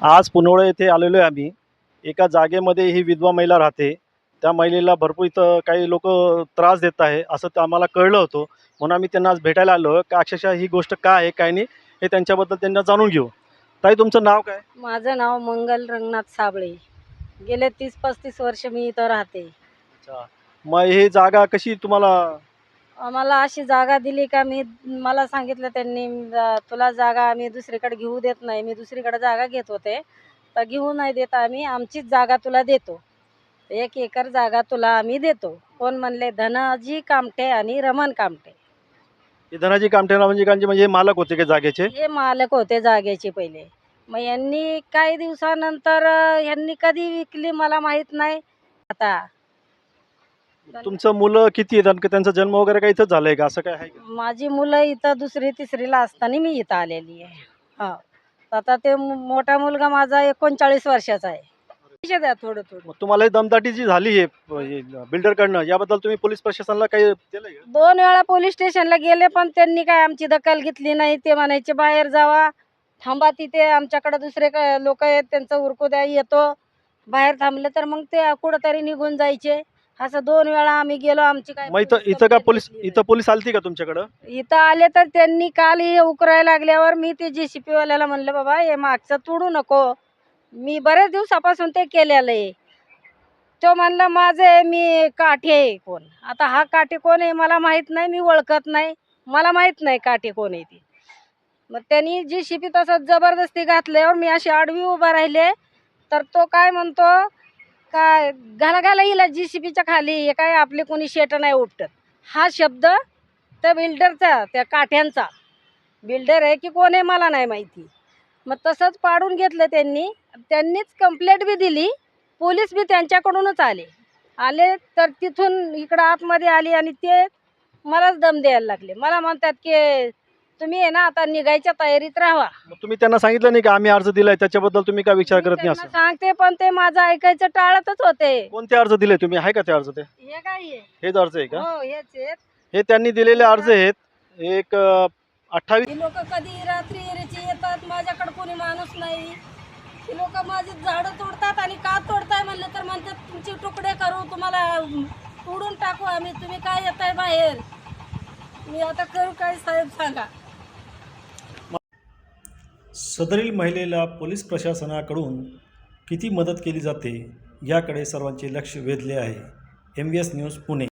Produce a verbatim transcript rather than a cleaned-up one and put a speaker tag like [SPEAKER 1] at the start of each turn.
[SPEAKER 1] आज पुनवळे येथे आलेलो आहे आम्ही. एका जागेमध्ये ही विधवा महिला राहते. त्या महिलेला भरपूर इथं काही लोक त्रास देत आहे असं तर आम्हाला कळलं होतं. म्हणून आम्ही त्यांना आज भेटायला आलो की अक्षरशः ही गोष्ट काय आहे काय नाही हे त्यांच्याबद्दल त्यांना जाणून घेऊ. ताई, तुमचं नाव काय?
[SPEAKER 2] माझं नाव मंगल रंगनाथ साबळे. गेले तीस पस्तीस वर्ष मी इथं राहते.
[SPEAKER 1] अच्छा, मग ही जागा कशी तुम्हाला?
[SPEAKER 2] आम्हाला अशी जागा दिली का मी मला सांगितलं त्यांनी, "जा- तुला जागा आम्ही दुसरीकडे घेऊ देत नाही." मी दुसरीकडे जागा घेत होते, तर घेऊ नाही देत आम्ही, आमचीच जागा तुला देतो, एक एकर जागा तुला आम्ही देतो. कोण म्हणले? धनाजी कामटे आणि रमण कामटे.
[SPEAKER 1] हे धनाजी कामठेला म्हणजे कांचे म्हणजे हे मालक होते का जागेचे?
[SPEAKER 2] हे मालक होते जागेचे पहिले. मग यांनी काही दिवसानंतर अं, यांनी कधी विकली मला माहीत नाही. आता
[SPEAKER 1] तुमचं मुलं किती आहेत आणि त्यांचा जन्म वगैरे काही इथंच झालंय का, असं काय आहे का?
[SPEAKER 2] माझी मुलं इथं दुसरी तिसरीला असताना मी इथं आलेली आहे. हा, आता ते मो- मोठा मुलगा माझा एकोणचाळीस वर्षाचा आहे. पैसे द्या थोडं थोडं.
[SPEAKER 1] मग तुम्हाला ही दमदाटी जी झाली आहे बिल्डरकडनं, याबद्दल तुम्ही पोलीस प्रशासनाला काही केलंय का?
[SPEAKER 2] दोन वेळा पोलीस स्टेशनला गेले पण त्यांनी काय आमची दखल घेतली नाही. ते म्हणायचे बाहेर जावा, थांबा तिथे, आमच्याकडे दुसरे लोक आहेत त्यांचं उरकू द्या, येतो. बाहेर थांबले तर मग ते कुठंतरी निघून जायचे. असं दोन वेळा आम्ही गेलो. आमची काय
[SPEAKER 1] मग इथं
[SPEAKER 2] पोलीस
[SPEAKER 1] इथं का
[SPEAKER 2] complaint
[SPEAKER 1] पोलीस
[SPEAKER 2] घेतली नाही.
[SPEAKER 1] इथं पोलीस आलती का तुमच्याकडं?
[SPEAKER 2] इथं आले तर त्यांनी काल हे उकरायला लागल्यावर मी ते जेसीपी वाल्याला म्हणलं, बाबा हे मागचं तोडू नको, मी बरेच दिवसापासून ते केलेलं आहे. तो म्हणला माझं आहे, मी काठी आहे. कोण आता हा काठी कोण आहे मला माहित नाही, मी ओळखत नाही, मला माहित नाही काठी कोण आहे ती. मग त्यांनी जेसीपी तसंच जबरदस्ती घातल्यावर मी अशी आडवी उभा राहिले, तर तो काय म्हणतो, काय घाला घाला हिला जेसीपीच्या खाली, हे काय आपले कोणी शेट नाही उपटत. हा शब्द त्या बिल्डरचा, त्या काठ्यांचा बिल्डर आहे की कोण आहे मला नाही माहिती. मग तसंच पाडून घेतलं त्यांनी. त्यांनीच कंप्लेंट बी दिली, पोलीस बी त्यांच्याकडूनच आले आले तर तिथून इकडं आतमध्ये आली आणि ते मलाच दम द्यायला लागले. मला म्हणतात की तुम्ही आहे ना आता निघायच्या तयारीत राहा.
[SPEAKER 1] मग तुम्ही त्यांना सांगितलं नाही का आम्ही अर्ज दिलाय त्याच्याबद्दल तुम्ही काय विचार
[SPEAKER 2] मी
[SPEAKER 1] करत नाही
[SPEAKER 2] त्यांना
[SPEAKER 1] असं?
[SPEAKER 2] सांगते पण ते माझं ऐकायचं टाळतच होते.
[SPEAKER 1] कोणते अर्ज दिले तुम्ही, आहे का ते अर्ज? ते
[SPEAKER 2] हे काय आहे?
[SPEAKER 1] हेच अर्ज आहे का?
[SPEAKER 2] हो हेच आहेत.
[SPEAKER 1] हे त्यांनी दिलेले अर्ज आहेत. एक अठ्ठावीस
[SPEAKER 2] ही लोक कधी रात्री एरेची येतात, माझ्याकडे कोणी माणूस नाही. ही लोक माझी झाडं तोडतात आणि का तोडताय म्हणलं तर म्हणतात तुमचे तुकडे करू, तुम्हाला तोडून टाकू आम्ही, तुम्ही काय येताय बाहेर. मी आता करू काय साहेब सांगा.
[SPEAKER 1] सदरील महिलेला पोलीस प्रशासनाकडून किती मदत केली जाते याकडे सर्वांचे लक्ष वेधले आहे. M V S news Pune.